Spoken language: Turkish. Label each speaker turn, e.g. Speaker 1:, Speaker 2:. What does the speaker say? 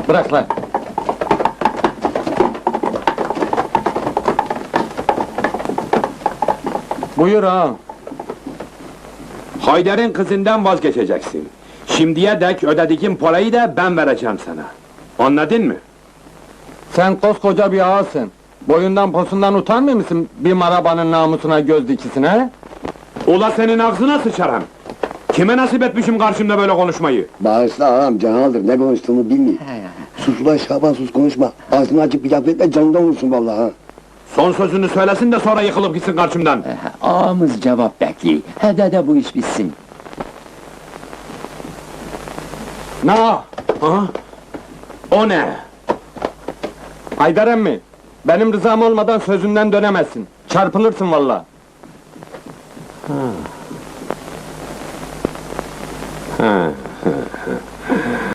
Speaker 1: Bırak lan! Buyur ağam.
Speaker 2: Haydar'ın kızından vazgeçeceksin. Şimdiye dek ödediğin parayı da ben vereceğim sana. Anladın mı?
Speaker 1: Sen koskoca bir ağasın. Boyundan posundan utanmıyor musun bir marabanın namusuna göz dikisine he?
Speaker 2: Ula senin ağzına sıçarım! Kime nasip etmişim karşımda böyle konuşmayı?
Speaker 3: Bağışla ağam, canaldır, ne konuştuğunu bilmiyor. Sus ulan Şaban, sus konuşma. Ağzını açıp bir laf etme, canından vursun vallahi ha.
Speaker 2: Son sözünü söylesin de sonra yıkılıp gitsin karşımdan!
Speaker 4: Ağamız cevap bekliyor. Hadi de bu iş bitsin.
Speaker 1: Ne?
Speaker 2: Ha? O ne?
Speaker 1: Haydar emmi, benim rızam olmadan sözünden dönemezsin. Çarpılırsın vallahi.